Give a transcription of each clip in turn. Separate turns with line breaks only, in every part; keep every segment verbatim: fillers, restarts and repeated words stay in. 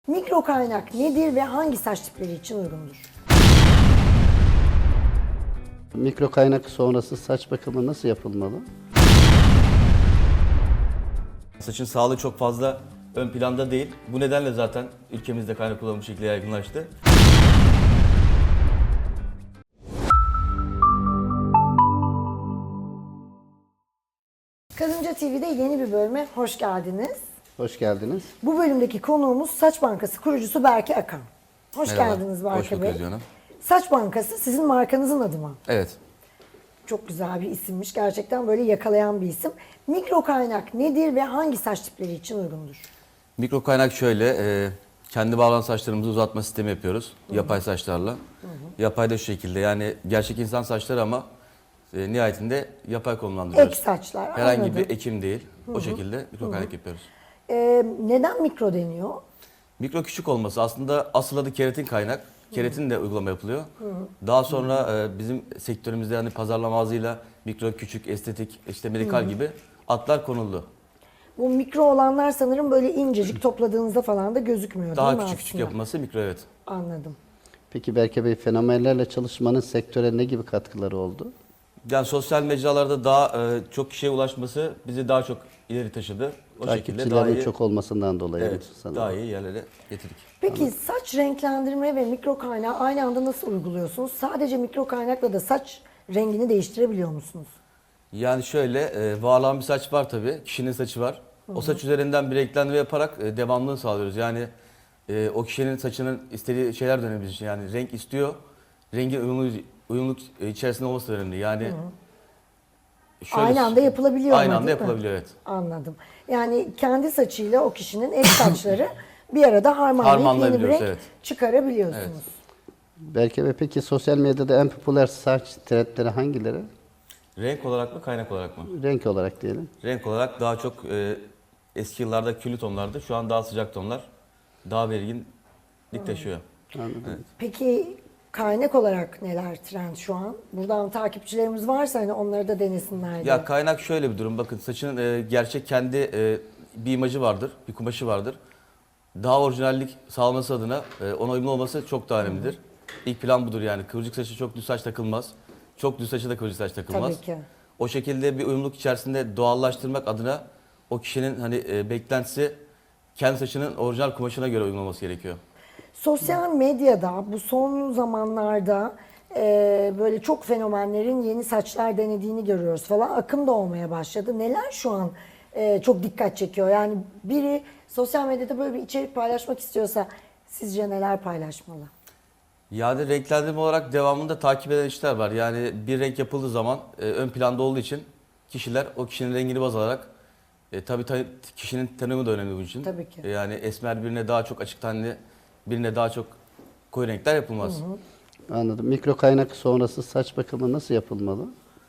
Mikro kaynak nedir ve hangi saç tipleri için uygundur?
Mikro kaynak sonrası saç bakımı nasıl yapılmalı?
Saçın sağlığı çok fazla ön planda değil. Bu nedenle zaten ülkemizde kaynak kullanımı şekli yaygınlaştı.
Kadınca T V'de yeni bir bölüme hoş geldiniz.
Hoş geldiniz.
Bu bölümdeki konuğumuz Saç Bankası kurucusu Berke Akan. Hoş
Merhaba,
geldiniz
hoş
Berke
bulduk
Bey.
Özge Hanım.
Saç Bankası sizin markanızın adı mı?
Evet.
Çok güzel bir isimmiş. Gerçekten böyle yakalayan bir isim. Mikro kaynak nedir ve hangi saç tipleri için uygundur?
Mikro kaynak şöyle, e, kendi bağlanan saçlarımızı uzatma sistemi yapıyoruz. Hı-hı. Yapay saçlarla. Hı-hı. Yapay da şu şekilde, yani gerçek insan saçları ama e, nihayetinde yapay konumlandırıyoruz.
Ek saçlar.
Herhangi
anladım.
bir ekim değil.
Hı-hı.
O şekilde mikro kaynak yapıyoruz.
Ee, neden mikro deniyor?
Mikro küçük olması aslında asıl adı keratin kaynak. Keratin de uygulama yapılıyor. Hı-hı. Daha sonra e, bizim sektörümüzde hani pazarlama ağzıyla mikro, küçük, estetik, işte medikal Hı-hı. gibi adlar konuldu.
Bu mikro olanlar sanırım böyle incecik topladığınızda falan da gözükmüyor
Daha
değil mi
küçük
aslında?
küçük yapılması mikro, evet.
Anladım.
Peki Berke Bey, fenomenlerle çalışmanın sektöre ne gibi katkıları oldu?
Yani sosyal mecralarda daha e, çok kişiye ulaşması bizi daha çok ileri taşıdı. O şekilde daha
Takipçilerin
iyi,
çok olmasından dolayı
evet,
sanırım.
daha iyi yerlere getirdik.
Peki Anladım. Saç renklendirme ve mikro kaynağı aynı anda nasıl uyguluyorsunuz? Sadece mikro kaynakla da saç rengini değiştirebiliyor musunuz?
Yani şöyle, e, varlanan bir saç var tabii, kişinin saçı var. Hı-hı. O saç üzerinden bir renklendirme yaparak e, devamlılığını sağlıyoruz. Yani e, o kişinin saçının istediği şeyler de önemli bizim için. Yani renk istiyor, rengin uyumlu, uyumluluk içerisinde olması da önemli. Yani
şöyle, aynı anda yapılabiliyor
Aynı
mu,
anda yapılabiliyor, evet.
Anladım. Yani kendi saçıyla o kişinin ek saçları bir arada harmanlayıp yeni bir renk evet. çıkarabiliyorsunuz. Evet.
Berke Bey, peki sosyal medyada en popüler saç trendleri hangileri?
Renk olarak mı, kaynak olarak mı?
Renk olarak diyelim.
Renk olarak daha çok e, eski yıllarda küllü tonlardı. Şu an daha sıcak tonlar. Daha belirginlik taşıyor.
Anladım.
Evet.
Peki kaynak olarak neler trend şu an? Buradan takipçilerimiz varsa hani onları da denesinler diye.
Ya kaynak şöyle bir durum. Bakın saçın e, gerçek kendi e, bir imajı vardır, bir kumaşı vardır. Daha orijinallik sağlaması adına e, ona uyumlu olması çok daha önemlidir. Hı-hı. İlk plan budur yani. Kıvırcık saçı çok düz saç takılmaz. Çok düz saçı da kıvırcık saç takılmaz.
Tabii ki.
O şekilde bir uyumluluk içerisinde doğallaştırmak adına o kişinin hani e, beklentisi kendi saçının orijinal kumaşına göre uygun olması gerekiyor.
Sosyal medyada bu son zamanlarda e, böyle çok fenomenlerin yeni saçlar denediğini görüyoruz falan. Akım da olmaya başladı. Neler şu an e, çok dikkat çekiyor? Yani biri sosyal medyada böyle bir içerik paylaşmak istiyorsa sizce neler paylaşmalı?
Yani renklendirme olarak devamında takip eden işler var. Yani bir renk yapıldığı zaman e, ön planda olduğu için kişiler o kişinin rengini baz alarak e, tabii ta, kişinin tanımı da önemli bunun için.
Tabii ki.
E, yani esmer birine daha çok açık tenli, birine daha çok koyu renkler yapılmaz.
Hı hı.
Anladım. Mikro kaynak sonrası saç bakımı nasıl yapılmalı?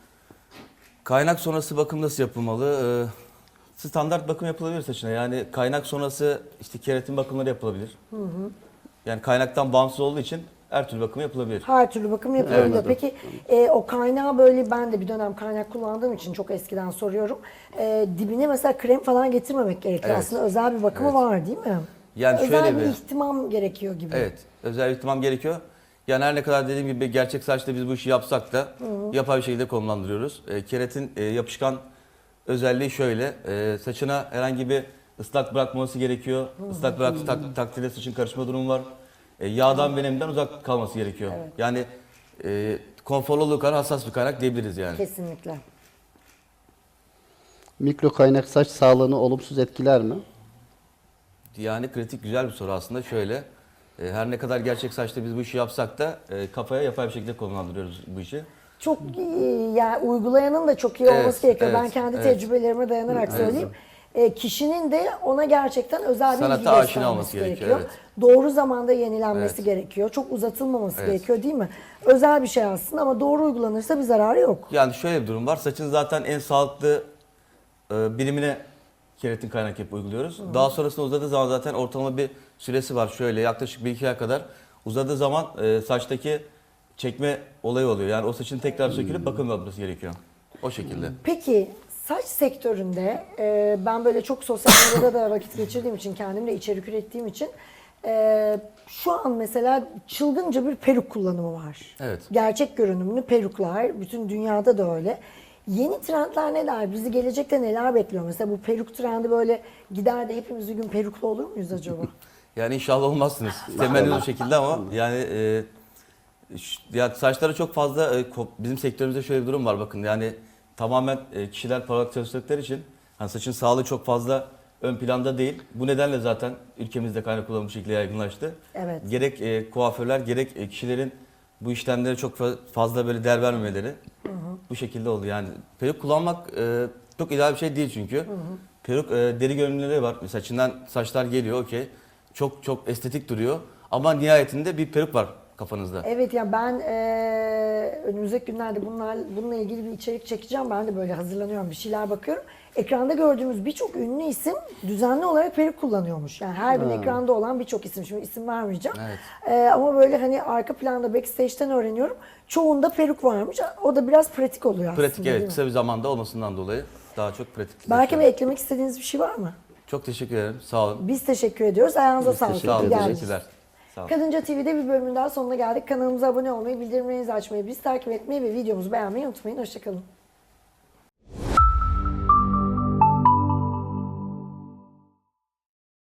Kaynak sonrası bakım nasıl yapılmalı? Ee, standart bakım yapılabilir saçına. Yani kaynak sonrası işte keratin bakımları yapılabilir. Hı hı. Yani kaynaktan bağımsız olduğu için her türlü bakım yapılabilir.
Her türlü bakım yapılabiliyor.
Evet.
Peki e, o kaynağı böyle ben de bir dönem kaynak kullandığım için çok eskiden soruyorum. E, dibine mesela krem falan getirmemek gerekiyor.
Evet.
Aslında özel bir bakımı
Evet.
var değil mi?
Yani
özel
şöyle
bir
bir
ihtimam gerekiyor gibi.
Evet, özel bir ihtimam gerekiyor. Yani her ne kadar dediğim gibi gerçek saçta biz bu işi yapsak da hı hı. yapay bir şekilde konumlandırıyoruz. E, keratin e, yapışkan özelliği şöyle, e, saçına herhangi bir ıslak bırakmaması gerekiyor. Hı hı. Islak bıraktığı tak, takdirde saçın karışma durumu var. E, yağdan ve nemden uzak kalması gerekiyor. Evet. Yani e, konforlu olduğu kadar hassas bir kaynak diyebiliriz yani.
Kesinlikle.
Mikro kaynak saç sağlığını olumsuz etkiler mi?
Yani kritik güzel bir soru aslında. Şöyle, e, her ne kadar gerçek saçta biz bu işi yapsak da e, kafaya yapay bir şekilde konumlandırıyoruz bu işi.
Çok iyi, yani uygulayanın da çok iyi olması
Evet,
gerekiyor.
evet,
ben kendi
evet.
tecrübelerime dayanarak
Evet.
söyleyeyim. E, kişinin de ona gerçekten özel bir
Sanata
ilgi
aşina
göstermesi
olması
gerekiyor.
gerekiyor,
Doğru zamanda yenilenmesi
Evet.
gerekiyor. Çok uzatılmaması
Evet.
gerekiyor değil mi? Özel bir şey aslında ama doğru uygulanırsa bir zararı yok.
Yani şöyle bir durum var. Saçın zaten en sağlıklı e, birimine keratin kaynak yapıp uyguluyoruz. Hı. Daha sonrasında uzadığı zaman zaten ortalama bir süresi var. Şöyle yaklaşık bir iki ay kadar uzadığı zaman e, saçtaki çekme olayı oluyor. Yani o saçın tekrar sökülüp bakım yapılması gerekiyor. O şekilde.
Peki saç sektöründe e, ben böyle çok sosyal medyada da vakit geçirdiğim için, kendim de içerik ürettiğim için Ee, şu an mesela çılgınca bir peruk kullanımı var.
Evet.
Gerçek görünümlü peruklar, bütün dünyada da öyle. Yeni trendler neler? Bizi gelecekte neler bekliyor? Mesela bu peruk trendi böyle gider de hepimiz bir gün peruklu olur muyuz acaba?
Yani inşallah olmazsınız. Temenni o şekilde ama yani e, ş- ya saçları çok fazla e, ko- bizim sektörümüzde şöyle bir durum var bakın. Yani tamamen e, kişiler para olarak çalıştıkları için hani saçın sağlığı çok fazla ön planda değil. Bu nedenle zaten ülkemizde kaynak kullanımı bu şekilde yaygınlaştı.
Evet.
Gerek e, kuaförler gerek e, kişilerin bu işlemlere çok fa- fazla böyle değer vermemeleri bu şekilde oldu. Yani peruk kullanmak e, çok ideal bir şey değil çünkü. Peruk e, deri görünümleri var. Saçından saçlar geliyor okey. Çok çok estetik duruyor. Ama nihayetinde bir peruk var kafanızda.
Evet ya ben eee önümüzdeki günlerde bunlar, bununla ilgili bir içerik çekeceğim. Ben de böyle hazırlanıyorum, bir şeyler bakıyorum. Ekranda gördüğümüz birçok ünlü isim düzenli olarak peruk kullanıyormuş. Yani her gün ekranda olan birçok isim. Şimdi isim vermeyeceğim.
Evet.
Eee, ama böyle hani arka planda backstage'ten öğreniyorum. Çoğunda peruk varmış. O da biraz pratik oluyor aslında.
Pratik
değil
evet
mi?
kısa bir zamanda olmasından dolayı daha çok pratik.
Berke Bey, eklemek istediğiniz bir şey var mı?
Çok teşekkür ederim. Sağ olun.
Biz teşekkür ediyoruz. Ayağınıza sağlık.
teşekkür
Sağ olun.
İyi geldiniz.
Teşekkürler. Sağ olun.
Kadınca T V'de bir bölümün daha sonuna geldik. Kanalımıza abone olmayı, bildirimlerinizi açmayı, bizi takip etmeyi ve videomuzu beğenmeyi unutmayın. Hoşçakalın.